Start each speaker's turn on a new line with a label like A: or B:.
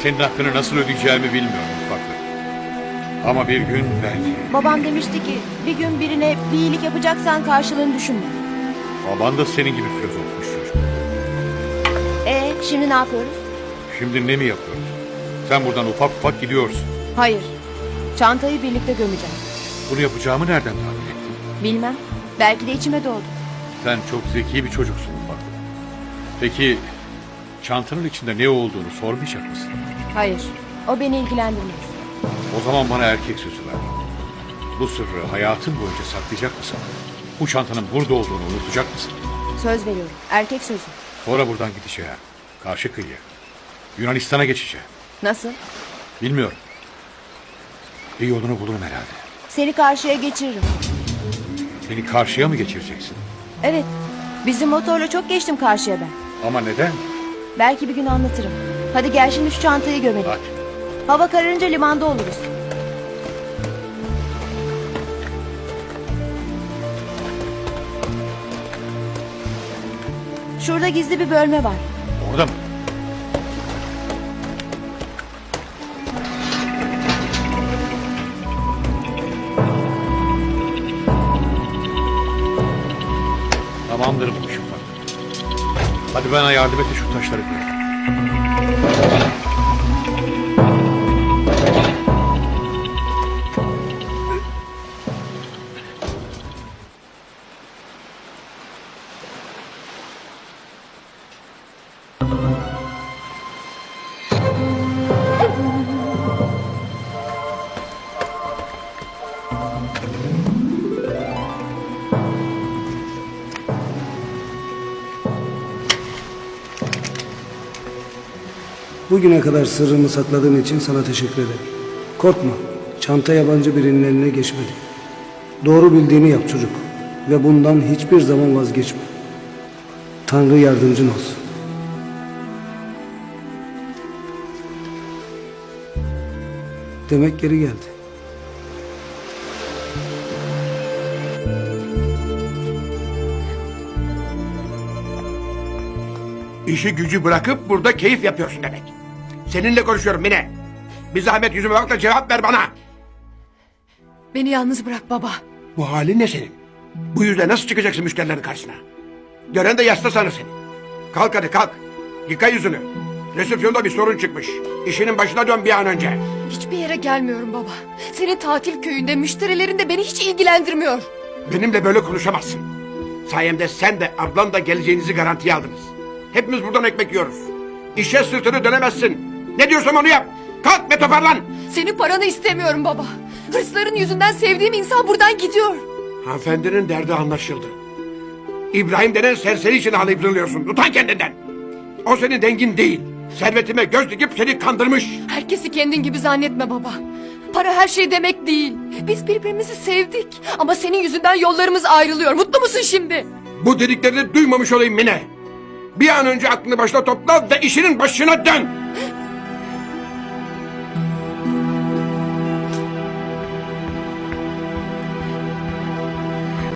A: Senin hakkını nasıl ödeyeceğimi bilmiyorum ufaklık. Ama bir gün belki.
B: Babam demişti ki bir gün birine bir iyilik yapacaksan karşılığını düşünme.
A: Baban da senin gibi filozofmuş çocuk.
B: Şimdi ne yapıyoruz?
A: Şimdi ne mi yapıyoruz? Sen buradan ufak ufak gidiyorsun.
B: Hayır. Çantayı birlikte gömeceğiz.
A: Bunu yapacağımı nereden tahmin ettin?
B: Bilmem. Belki de içime doğdu.
A: Sen çok zeki bir çocuksun ufaklık. Peki çantanın içinde ne olduğunu sormayacak mısın?
B: Hayır. O beni ilgilendirmiyor.
A: O zaman bana erkek sözü ver. Bu sırrı hayatın boyunca saklayacak mısın? Bu çantanın burada olduğunu unutacak mısın?
B: Söz veriyorum. Erkek sözü.
A: Sonra buradan gideceğim. Karşı kıyıya. Yunanistan'a geçeceğim.
B: Nasıl?
A: Bilmiyorum. Bir yolunu bulurum herhalde.
B: Seni karşıya geçiririm.
A: Beni karşıya mı geçireceksin?
B: Evet. Bizim motorla çok geçtim karşıya ben.
A: Ama neden?
B: Belki bir gün anlatırım. Hadi gel şimdi şu çantayı gömelim.
A: Hadi.
B: Hava kararınca limanda oluruz. Şurada gizli bir bölme var.
A: Orada mı? Tamamdır bu işim bak. Hadi bana yardım et de şu taşları koy.
C: Bugüne kadar sırrımı sakladığın için sana teşekkür ederim. Korkma, çanta yabancı birinin eline geçmedi. Doğru bildiğini yap çocuk ve bundan hiçbir zaman vazgeçme. Tanrı yardımcın olsun. Demek geri geldi.
D: İşi gücü bırakıp burada keyif yapıyorsun demek. Seninle konuşuyorum Mine. Bir zahmet yüzüme bak da cevap ver bana.
E: Beni yalnız bırak baba.
D: Bu halin ne senin? Bu yüzle nasıl çıkacaksın müşterilerin karşısına? Gören de yasta sanır seni. Kalk hadi kalk. Yıka yüzünü. Resepsiyonda bir sorun çıkmış. İşinin başına dön bir an önce.
E: Hiçbir yere gelmiyorum baba. Senin tatil köyünde müşterilerin de beni hiç ilgilendirmiyor.
D: Benimle böyle konuşamazsın. Sayemde sen de ablan da geleceğinizi garantiye aldınız. Hepimiz buradan ekmek yiyoruz. İşe sırtını dönemezsin. Ne diyorsam onu yap. Kalk ve toparlan.
E: Senin paranı istemiyorum baba. Hırsların yüzünden sevdiğim insan buradan gidiyor.
D: Hanımefendinin derdi anlaşıldı. İbrahim denen serseri için ağlayıp zırlıyorsun. Utan kendinden. O senin dengin değil. Servetime göz dikip seni kandırmış.
E: Herkesi kendin gibi zannetme baba. Para her şey demek değil. Biz birbirimizi sevdik. Ama senin yüzünden yollarımız ayrılıyor. Mutlu musun şimdi?
D: Bu dediklerini duymamış olayım Mine. Bir an önce aklını başına topla ve işinin başına dön.